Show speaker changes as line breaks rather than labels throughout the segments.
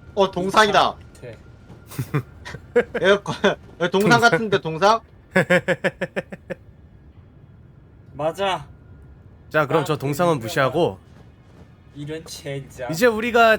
동상이다.
돼.
여기 동상 같은데 동상?
맞아.
자 그럼 저 동상은 무시하고
이런 젠장.
이제 우리가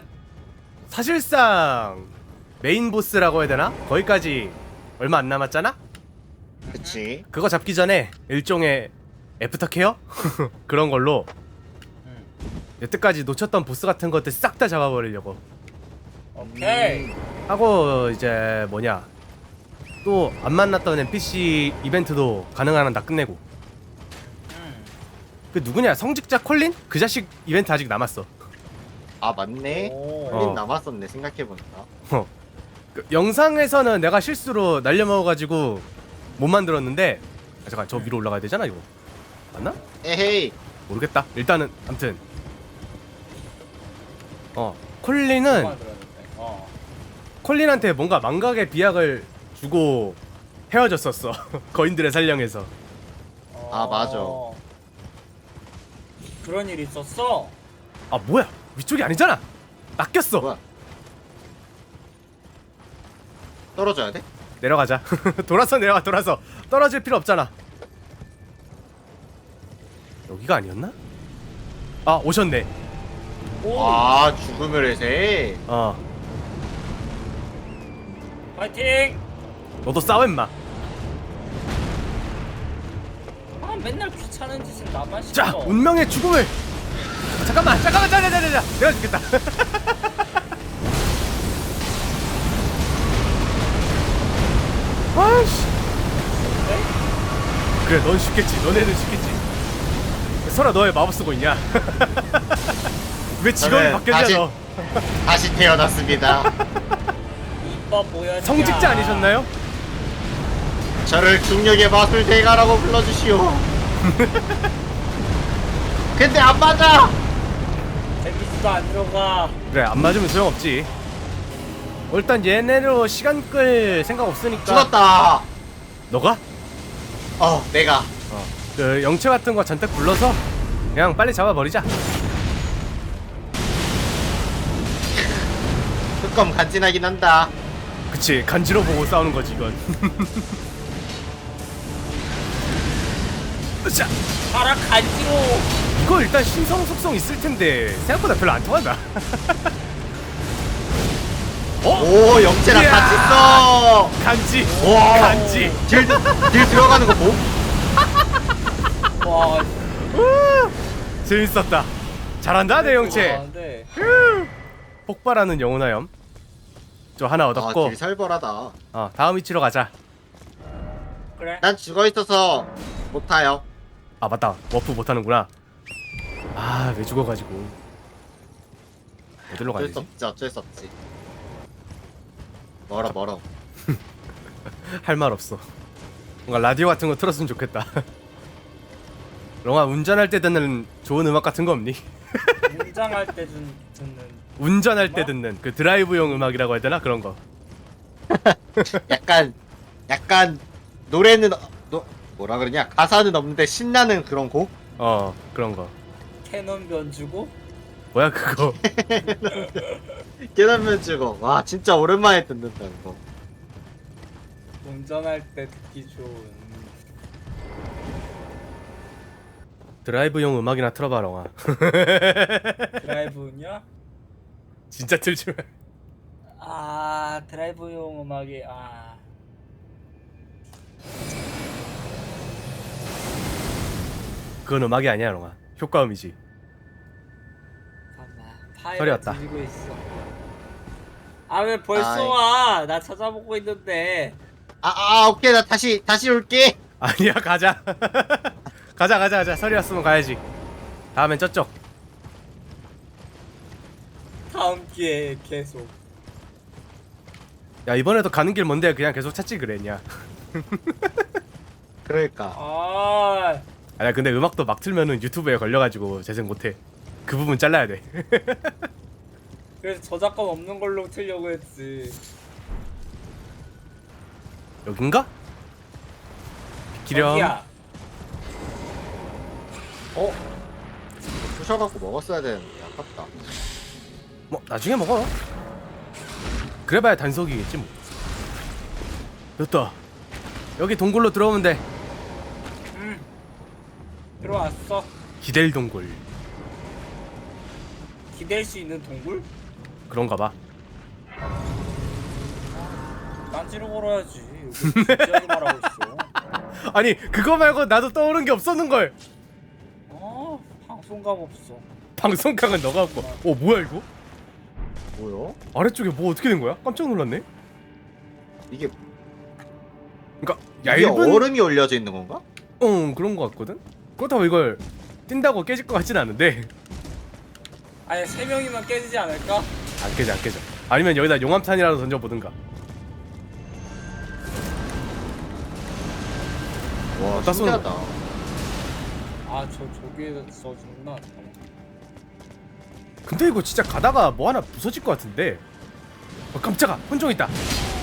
사실상 메인 보스라고 해야 되나? 거기까지 얼마 안 남았잖아?
그치.
그거 잡기 전에 일종의 애프터 케어? 그런 걸로 여태까지 놓쳤던 보스 같은 것들 싹 다 잡아버리려고
오케이.
하고 이제 뭐냐 또 안 만났던 NPC 이벤트도 가능한 한 다 끝내고 그 누구냐 성직자 콜린? 그 자식 이벤트 아직 남았어.
아 맞네.
오.
콜린 남았었네 생각해보니까.
그 영상에서는 내가 실수로 날려먹어가지고 못 만들었는데 잠깐 저 위로 올라가야 되잖아 이거 맞나?
에헤이.
모르겠다. 일단은 암튼 콜린은 콜린한테 뭔가 망각의 비약을 주고 헤어졌었어. 거인들의 살령에서.
아, 맞아.
그런 일이 있었어?
아 뭐야 위쪽이 아니잖아. 낚였어.
뭐야? 떨어져야 돼?
내려가자. 돌아서 내려가. 돌아서 떨어질 필요 없잖아. 여기가 아니었나? 아 오셨네.
오.
아 죽음의 새.
파이팅!
너도 싸워 임마.
아 맨날 귀찮은 짓을 나만 시켜.
자 운명의 죽음을. 잠깐만 자 내가 죽겠다. 아이씨. 그래 넌 쉽겠지. 너네는 쉽겠지. 설아 너의 마법 쓰고 있냐? 왜 직업이
저는
바뀌었냐
다시-
너?
다시 태어났습니다.
이뻐 보여.
성직자 아니셨나요?
저를 중력의 마술 대가라고 불러주시오. 근데 안 맞아.
데미지도 안 들어가.
그래 안 맞으면 소용없지. 일단 얘네로 시간 끌 생각 없으니까.
죽었다.
너가?
내가.
그 영체 같은 거 잔뜩 불러서 그냥 빨리 잡아버리자.
뚜껑 간지나긴 한다.
그치 간지러 보고 싸우는 거지 이건. 자
가라 간지로.
이거 일단 신성 속성 있을 텐데 생각보다 별로 안 통한다.
오 영재랑
이야.
같이 써.
간지.
와.
간지.
딜 들어가는 거 뭐?
와.
재밌었다. 잘한다 내 영체.
네.
폭발하는 영혼화염. 저 하나 얻었고.
딜 살벌하다.
다음 위치로 가자.
그래.
난 죽어 있어서 못 타요.
아 맞다 워프 못하는구나. 아 왜 죽어가지고. 어디로
어쩔
가야지?
수 없지 어쩔 수 없지. 멀어.
할 말 없어. 뭔가 라디오 같은 거 틀었으면 좋겠다. 롱아 운전할 때 듣는 좋은 음악 같은 거 없니?
문장할 때 듣는.
운전할 때
음악?
듣는 그 드라이브용 음악이라고 해야 되나 그런 거.
약간 노래는 뭐라 그러냐 가사는 없는데 신나는 그런 곡?
그런 거.
캐논 변주고.
뭐야 그거?
깨달으면 죽어. 와 진짜 오랜만에 듣는다 이거.
운전할 때 듣기 좋은.
드라이브용 음악이나 틀어봐 롱아.
드라이브냐?
진짜 틀지 마.
아 드라이브용 음악이
그건 음악이 아니야 롱아. 효과음이지.
잠깐만
소리
파일을
왔다.
들고 있어. 아 왜 벌써
아이.
와? 나 찾아보고 있는데.
오케이 나 다시 올게.
아니야 가자. 가자. 서리 왔으면 가야지. 다음엔 저쪽.
다음 기회에 계속.
야 이번에도 가는 길 뭔데 그냥 계속 찾지 그랬냐.
그러니까
아니야 근데 음악도 막 틀면은 유튜브에 걸려가지고 재생 못해. 그 부분 잘라야 돼.
그래서 저작권 없는 걸로 틀려고 했지.
여긴가? 기렴.
여기야.
부셔갖고 먹었어야 되는데 아깝다.
뭐 나중에 먹어. 그래봐야 단속이겠지 뭐. 됐다. 여기 동굴로 들어오면 돼.
들어왔어.
기댈 동굴.
기댈 수 있는 동굴?
그런가 봐.
딴지로 걸어야지. 여기 진지하게 말하고 있어.
아니 그거 말고 나도 떠오른 게 없었는걸.
방송감 없어.
방송강은 너가 없고. 뭐야 이거?
뭐요?
아래쪽에 뭐 어떻게 된 거야? 깜짝 놀랐네.
이게
그러니까
이게
얇은
얼음이 올려져 있는 건가?
그런 거 같거든. 그렇다고 이걸 뛴다고 깨질 것 같진 않은데.
아니 3명이면 깨지지 않을까?
안 깨져 안 깨져. 아니면 여기다 용암탄이라도 던져보든가.
와
어디다 쏘는
신기하다.
저기에서 죽나?
근데 이거 진짜 가다가 뭐 하나 부서질 것 같은데. 깜짝아, 혼종 있다.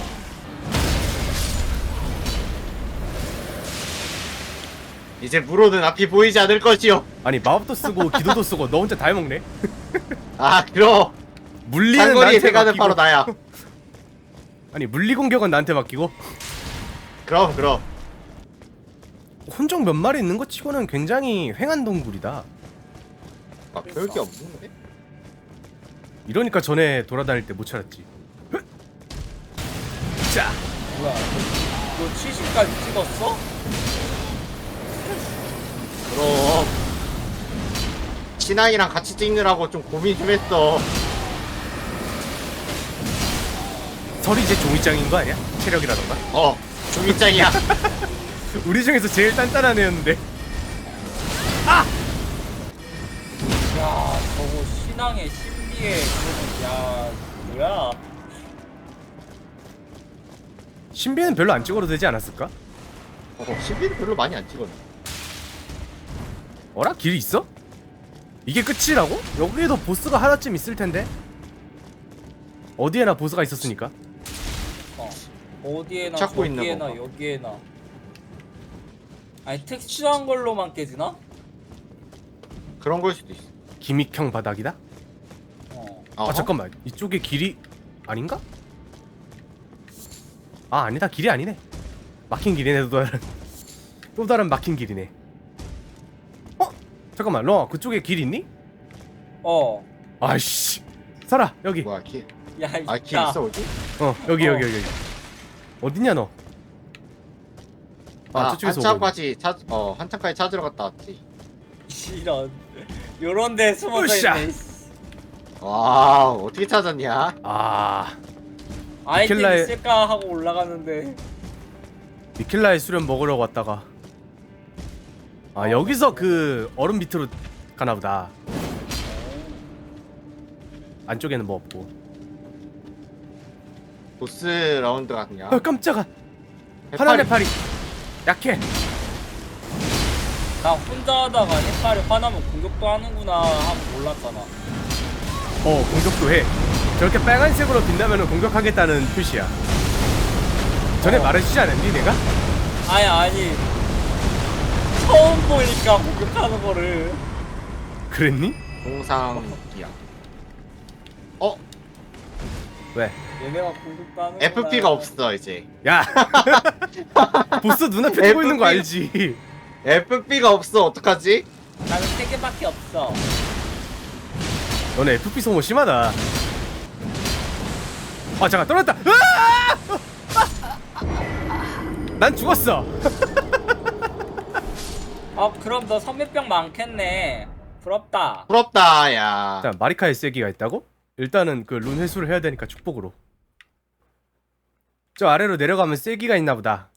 이제 물오는 앞이 보이지 않을 것이요.
아니 마법도 쓰고 기도도 쓰고 너 혼자 다 해먹네.
아 그럼
물리는
장거리
나한테
대가는
맡기고.
바로 나야.
아니 물리 공격은 나한테 맡기고.
그럼
혼종 몇 마리 있는 것 치고는 굉장히 횡한 동굴이다.
아 별게 없는데?
이러니까 전에 돌아다닐 때 못 찾았지. 자,
뭐야? 너 70까지 찍었어?
그럼 신앙이랑 같이 찍느라고 좀 고민 좀 했어.
설이 이제 종이장인 거 아니야? 체력이라던가.
종이장이야.
우리 중에서 제일 단단한 애였는데.
야, 저거 신앙의 신비의 야, 뭐야?
신비는 별로 안 찍어도 되지 않았을까?
신비는 별로 많이 안 찍었네.
어라? 길이 있어? 이게 끝이라고? 여기에도 보스가 하나쯤 있을 텐데. 어디에나 보스가 있었으니까.
어디에나
찾고 있는
저기에나
건가?
여기에나. 아니 특수한 걸로만 깨지나?
그런 걸 수도 있어.
기믹형 바닥이다?
어허?
잠깐만, 이쪽에 길이 아닌가? 아니다, 길이 아니네. 막힌 길이네. 또 다른 막힌 길이네. 잠깐만, 너 그쪽에 길 있니? 아이씨, 살아 여기.
뭐야 길?
야, 있다.
길 있어 어디?
여기 어딨냐 너? 저쪽에서 오고
한참까지 찾으러 갔다 왔지.
이런 요런데 숨어져
으쌰.
있네.
와 어떻게 찾았냐?
아이템
미켈라의-
있을까 하고 올라갔는데
미켈라의 수련 먹으러 왔다가 여기서 그 얼음 밑으로 가나보다. 안쪽에는 뭐 없고.
보스 라운드가 그냥
깜짝아. 화난 해파리 약해.
나 혼자 하다가 해파리 화나면 공격도 하는구나 하고 몰랐잖아.
공격도 해. 저렇게 빨간색으로 빛나면 공격하겠다는 표시야. 전에 말해주지 않았니 내가?
아니 처음 보니까 공격하는 거를.
그랬니?
동상기야.
왜?
얘네가 공격도 하는
FP가 없어 이제.
야 보스 눈앞에 두고 있는 거
FP.
알지?
FP가 없어 어떡하지?
나는 3개밖에 없어.
너네 FP 소모 심하다. 잠깐 떨어졌다. 난 죽었어.
그럼 너 선배병 많겠네. 부럽다.
부럽다 야.
자, 마리카의 세기가 있다고? 일단은 그 룬 회수를 해야 되니까 축복으로. 저 아래로 내려가면 세기가 있나 보다.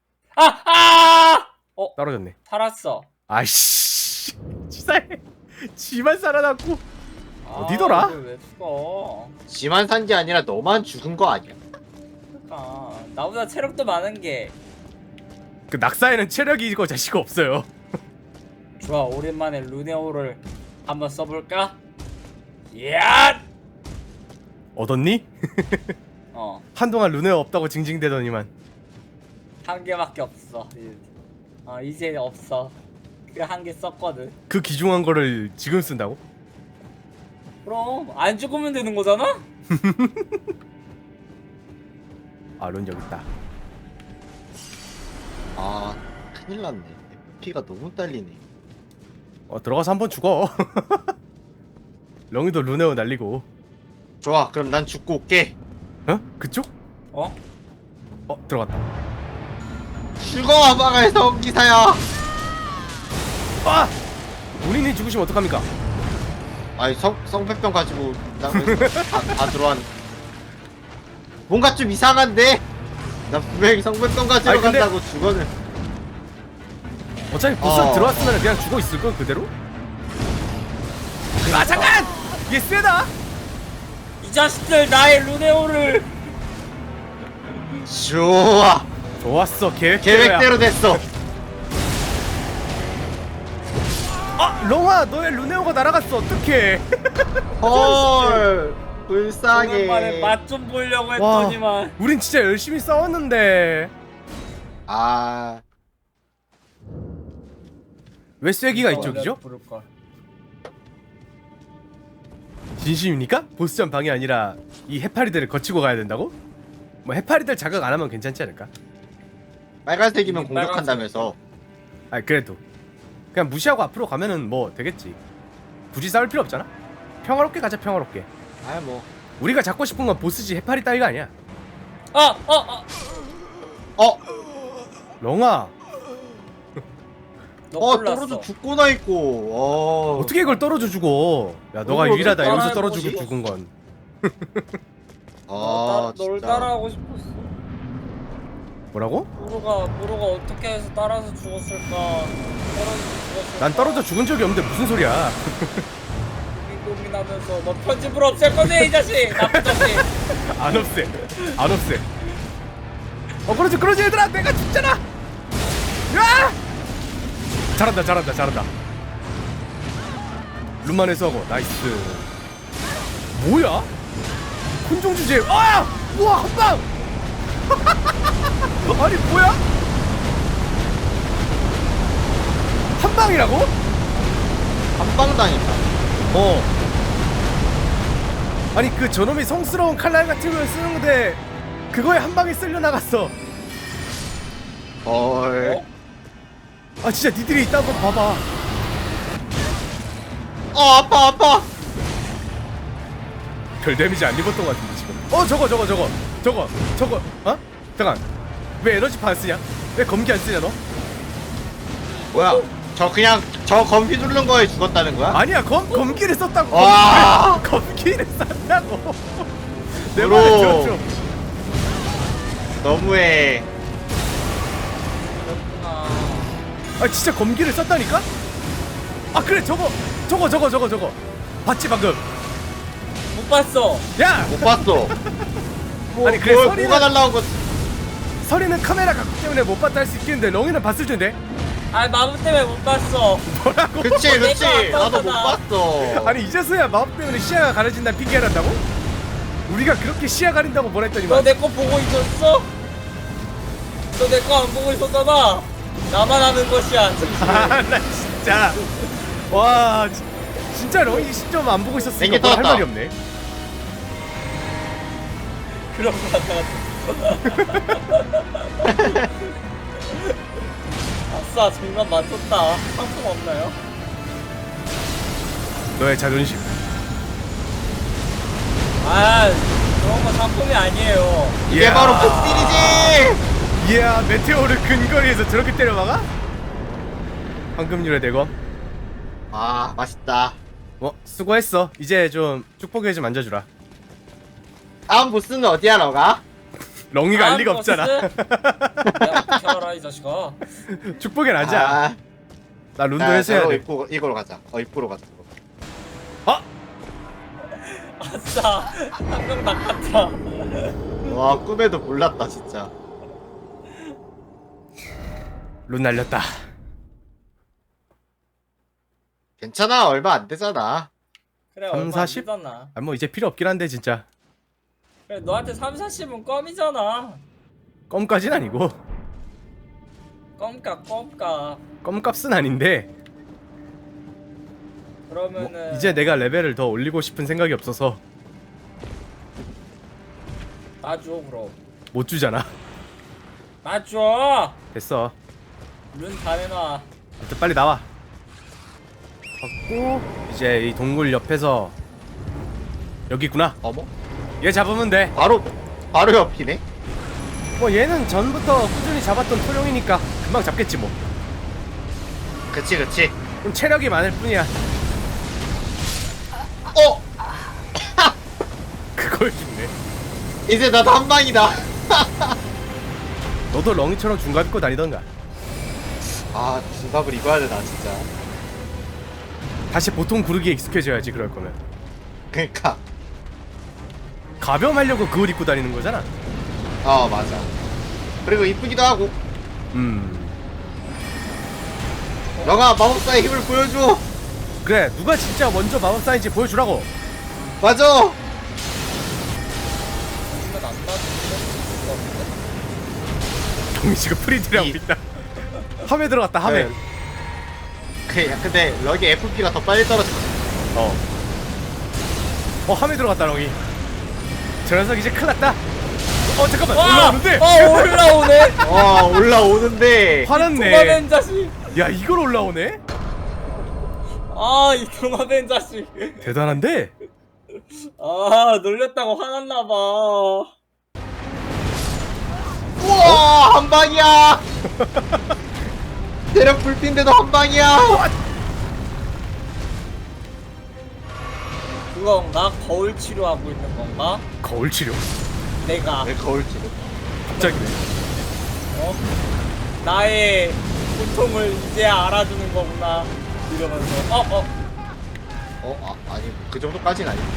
떨어졌네.
살았어.
아이씨, 치사해. 지만 살아남고. 어디더라?
이걸 왜 죽어?
지만 산 게 아니라 너만 죽은 거 아니야?
그러니까 나보다 체력도 많은 게.
그 낙사에는 체력이고 자시가 없어요.
좋아, 오랜만에 루네오를 한번 써볼까? 야!
얻었니? 한동안 룬웨어 없다고 징징대더니만.
한 개밖에 없어. 이제 없어. 그 한 개 썼거든.
그 귀중한 거를 지금 쓴다고?
그럼 안 죽으면 되는 거잖아?
아, 론 여기 있다.
아 큰일 났네. 피가 너무 딸리네.
들어가서 한번 죽어. 렁이도 루네오 날리고.
좋아, 그럼 난 죽고 올게.
어? 그쪽?
어?
들어갔다.
죽어, 마가의 성기사야.
아! 본인이 죽으시면 어떡합니까?
아니 성패병 가지고 다 들어왔. 뭔가 좀 이상한데? 나 분명히 성패병 가지러
아니, 근데-
간다고 죽어는.
어차피 보스 들어왔으면 그냥 죽어 있을 걸 그대로? 아 잠깐! 얘 세다.
이 자식들 나의 루네오를
좋아,
좋았어. 계획대로야.
계획대로 됐어.
아 롱아 너의 루네오가 날아갔어. 어떡해?
헐,
오랜만에
불쌍해.
맛 좀 보려고
와,
했더니만
우린 진짜 열심히 싸웠는데
아,
왜 쐐기가 이쪽이죠?
부를걸.
진심입니까? 보스전 방이 아니라 이 해파리들을 거치고 가야 된다고? 뭐 해파리들 자극 안 하면 괜찮지 않을까?
빨간색이면
이게
공격한다면서.
아 그래도 그냥 무시하고 앞으로 가면은 뭐 되겠지. 굳이 싸울 필요 없잖아. 평화롭게 가자. 평화롭게.
아 뭐.
우리가 잡고 싶은 건 보스지 해파리 따위가 아니야.
어,
렁아
너
떨어져 죽고나 있고.
어떻게 이걸 떨어져 죽어? 야 너가
그걸
유일하다
어떻게
여기서
따라해
떨어지고
보지?
죽은 건.
널
진짜.
따라하고 싶었어.
뭐라고?
모로가 어떻게 해서 따라서 죽었을까? 떨어져서 죽었을까?
난 떨어져 죽은 적이 없는데 무슨 소리야?
고민하면서 너 편집을 없앨 거네 이 자식. 나쁜 자식.
안 없애. 안 없애. 그러지 얘들아. 내가 죽잖아. 야! 잘한다. 룸만 해서 나이스. 뭐야? 콘종 주제. 우와 한방. 아니 뭐야? 한방이라고?
한방당했다.
아니 그 저놈이 성스러운 칼날 같은 걸 쓰는데 그거에 한 방에 쓸려 나갔어.
헐.
아 진짜 니들이 있다고 봐봐.
아파.
별 데미지 안 입었던 것 같은데 지금. 저거. 잠깐. 왜 에너지파 안 쓰냐? 왜 검기 안 쓰냐 너?
뭐야? 저 검기 누른 거에 죽었다는 거야?
아니야 검기를 썼다고.
와.
검기를 썼다고. 내
브로.
말을 들어줘.
너무해.
그렇구나.
아 진짜 검기를 썼다니까? 아 그래 저거 봤지 방금?
못 봤어.
야!
못 봤어.
아니, 그래, 소리는-
뭐가 날라온 거?
서리는 카메라 각도 때문에 못 봤다 할 수 있겠는데 렁이는 봤을 텐데.
아 마법 때문에 못 봤어.
뭐라고?
그치.
내가
나도 못
아까웠잖아.
봤어.
아니 이제서야 마법 때문에 시야가 가려진다는 핑계를 한다고? 우리가 그렇게 시야 가린다고 뭐라
너
했더니만
내 거 보고 있었어? 너 내 거 안 보고 있었잖아. 나만 아는 것이야.
아나 진짜 와 진짜 렁이 시점 안 보고 있었으니까
냉기
뭐할
떴다.
말이 없네.
그런 거 같아. 아싸 정말 맞췄다. 상품 없나요?
너의 자존심.
아 그런 거 상품이 아니에요.
이게
이야.
바로 폭딜이지.
이야 메테오를 근거리에서 저렇게 때려막아? 황금률의 대검.
아, 맛있다.
수고했어. 이제 좀 축복에 좀 앉아주라.
다음 보스는 어디야, 너가?
렁이가 알 리가 없잖아.
내가 어떻게 알아 이 자식아.
축복엔 앉아. 나 룬도 했어야
로
돼.
이거로 가자. 입구로 가자.
어?
아싸 한명 낚았다.
와, 꿈에도 몰랐다, 진짜.
룬 날렸다.
괜찮아, 얼마 안 되잖아.
그래
3,
얼마 안
40?
되잖아.
뭐 이제 필요 없긴 한데 진짜.
그래 너한테 3, 40은 껌이잖아.
껌까진 아니고.
껌값.
껌값은 아닌데
그러면은
이제 내가 레벨을 더 올리고 싶은 생각이 없어서.
놔줘 그럼.
못 주잖아.
맞줘.
됐어.
룬 다 내놔.
아무튼 빨리 나와. 받고 이제 이 동굴 옆에서 여기 있구나.
어머?
얘 잡으면 돼.
바로 옆이네?
뭐 얘는 전부터 꾸준히 잡았던 토룡이니까 금방 잡겠지 뭐.
그치.
좀 체력이 많을 뿐이야.
어!
그걸 죽네.
이제 나도 한 방이다.
너도 렁이처럼 중갑 입고 다니던가.
아, 중갑을 입어야 되나, 진짜.
다시 보통 구르기에 익숙해져야지 그럴 거면.
그니까.
가벼움하려고 그걸 입고 다니는 거잖아.
맞아. 그리고 이쁘기도 하고. 너가 마법사의 힘을 보여줘.
그래 누가 진짜 먼저 마법사인지 보여주라고.
맞아.
이건 안 나왔는데?
동이 지금 프리드라고 있다. 함에 들어갔다 함에.
네. 근데 럭이 FP가 더 빨리 떨어졌어.
함에 들어갔다 렁이. 저 녀석 이제 큰일 났다. 잠깐만
와!
올라오는데.
올라오네.
올라오는데.
화났네.
도마뱀 자식.
야 이걸 올라오네?
이 도마뱀 자식.
대단한데?
놀렸다고 화났나봐.
우와, 한 방이야. 체력 불핀데도 한 방이야.
그건가? 거울 치료하고 있는 건가?
거울 치료?
내가
왜 거울 치료?
갑자기네.
나의 고통을 이제 알아주는 거구나 이러면서
아니 그 정도까지는 아니고.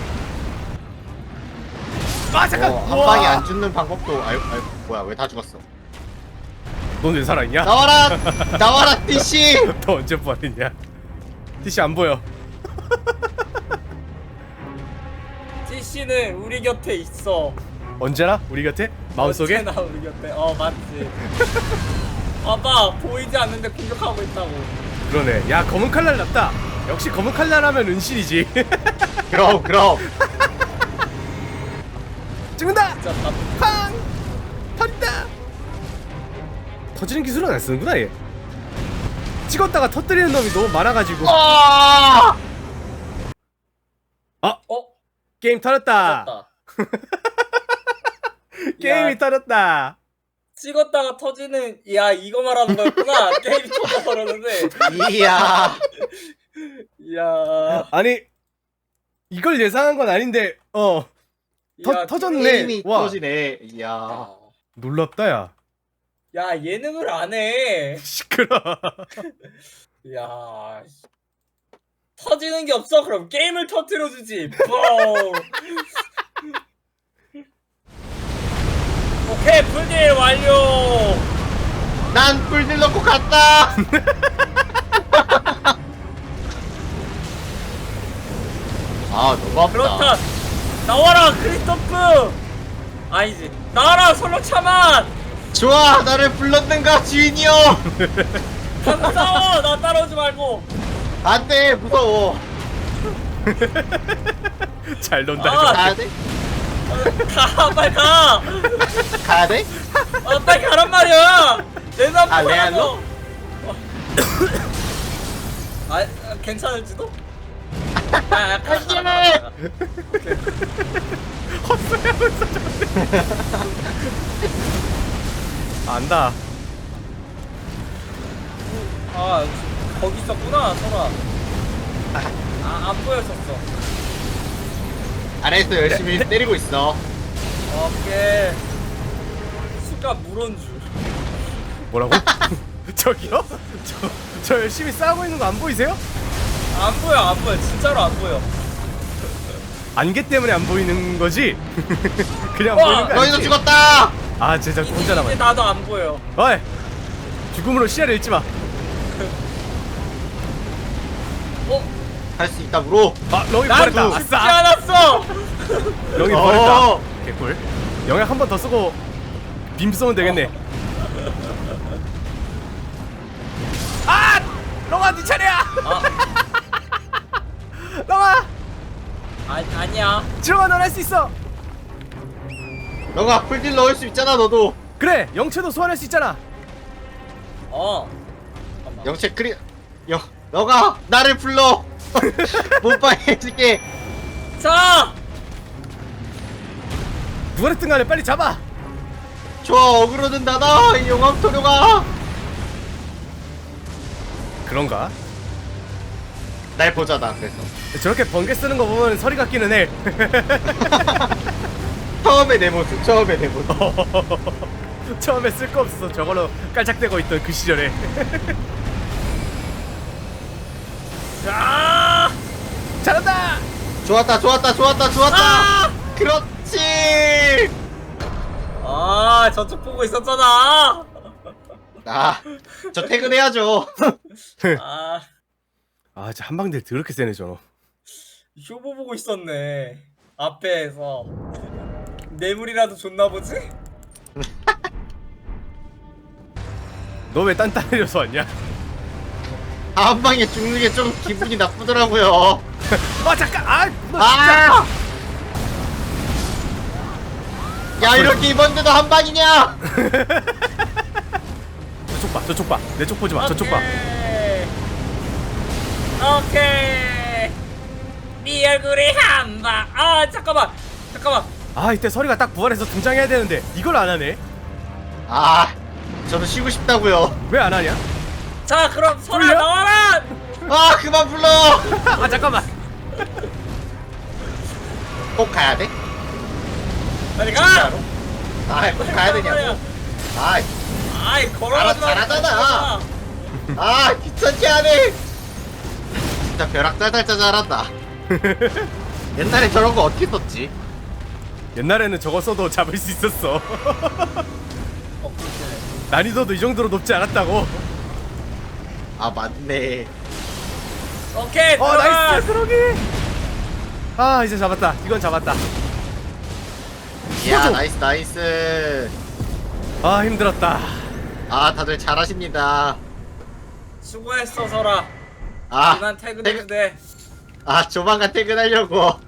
잠깐.
한 방에 안 죽는 방법도 뭐야, 왜 다 죽었어?
넌 왜 살아있냐?
나와라 DC.
너 언제 부활했냐? 티시 안 보여.
CC는 우리 곁에 있어.
언제나 우리 곁에? 마음속에?
언제나 우리 곁에. 맞지. 봐봐, 보이지 않는데 공격하고 있다고.
그러네. 야 검은 칼날 났다. 역시 검은 칼날하면 은신이지.
그럼
찍는다.
진짜 나
팡! 터진다. 터지는 기술은 안 쓰는구나 얘. 찍었다가 터뜨리는 놈이 너무 많아가지고. 게임 터졌다.
찍었다.
게임이 터졌다.
찍었다가 터지는, 이거 말하는 거였구나. 게임이 터져버렸는데.
이야.
이야.
아니 이걸 예상한 건 아닌데 터졌네.
게임이
와
터지네. 이야.
놀랍다 야.
야, 예능을 안 해.
시끄러.
야, 터지는 게 없어? 그럼 게임을 터뜨려주지. 뻥. 오케이, 풀딜 완료.
난 불들 넣고 갔다. 너무 아프다.
그렇다. 나와라, 크리스토프. 아니지. 나와라, 설렁 차만.
좋아, 나를 불렀는가 주인이여.
가서 싸워. 나 따라오지 말고.
안돼, 무서워.
잘 논다.
가야 돼?
가, 빨리 가.
가야 돼?
빨리 가란 말이야. 내놔.
레알로?
괜찮을지도?
갈게.
헛소리하고 있어 저런데. 안다.
거기 있었구나, 설아. 안 보였었어.
안에서 열심히 때리고 있어.
오케이. 수가 물온 줄.
뭐라고? 저기요? 저 열심히 싸우고 있는 거 안 보이세요?
안 보여. 진짜로 안 보여.
안개 때문에 안 보이는 거지? 그냥
와,
보이는 거
너희도
아니지?
죽었다.
아 진짜 혼자
이제
남았네.
나도 안 보여.
어이! 죽음으로 시야를 잃지 마.
할 수 있다, 브로.
렁이
난
버렸다.
죽지
아싸!
않았어.
렁이 버렸다. 개꿀. 영약 한 번 더 쓰고 빔 쏘면 되겠네. 렁아 네 차례야. 렁아
아니야.
들어가. 넌 할 수 있어.
너가 풀딜 넣을 수 있잖아 너도.
그래 영체도 소환할 수 있잖아.
잠깐만.
영체 크리 너가 나를 불러. 못방 해줄게.
자!
누가 됐든 간에 빨리 잡아.
좋아 어그로는 나다 이 용암토류가.
그런가?
날 보자다 그래서.
저렇게 번개 쓰는 거 보면 서리 같기는 해.
처음에 내 모습
처음에 쓸 거 없어. 저걸로 깔짝대고 있던 그 시절에.
아!
잘한다.
좋았다
아!
그렇지.
아, 저쪽 보고 있었잖아.
저 퇴근해야죠.
아,
아 진짜 한방들 더럽게 세네 저거.
쇼부 보고 있었네. 앞에서 뇌물이라도 줬나 보지?
너 왜 딴딴해져서 왔냐?
한 방에 죽는 게 좀 기분이 나쁘더라고요.
아 잠깐. 너 진짜.
아! 야 이렇게 이번에도 한 방이냐?
저쪽 봐. 내 쪽 보지 마. 저쪽 봐.
오케이. 네 얼굴이 한 방. 아, 잠깐만.
아 이때 서리가 딱 부활해서 등장해야 되는데 이걸 안 하네.
저도 쉬고 싶다고요.
왜 안 하냐?
자, 그럼 설아
돌려?
나와라.
그만 불러.
아 잠깐만.
꼭 가야 돼?
빨리 가.
꼭 가야 되냐고.
아이, 걸어가지 마.
잘하잖아. 귀찮게 하네. 진짜 벼락 짜잘짜 잘한다. 옛날에 저런 거 어떻게 썼지?
옛날에는 저거 써도 잡을 수 있었어. 난이도도 이 정도로 높지 않았다고.
맞네.
오케이. 들어가.
나이스 드로기. 이제 잡았다. 이건 잡았다.
이야
소주.
나이스.
힘들었다.
다들 잘하십니다.
수고했어, 설아. 이만 퇴근해도 돼.
조만간 퇴근하려고.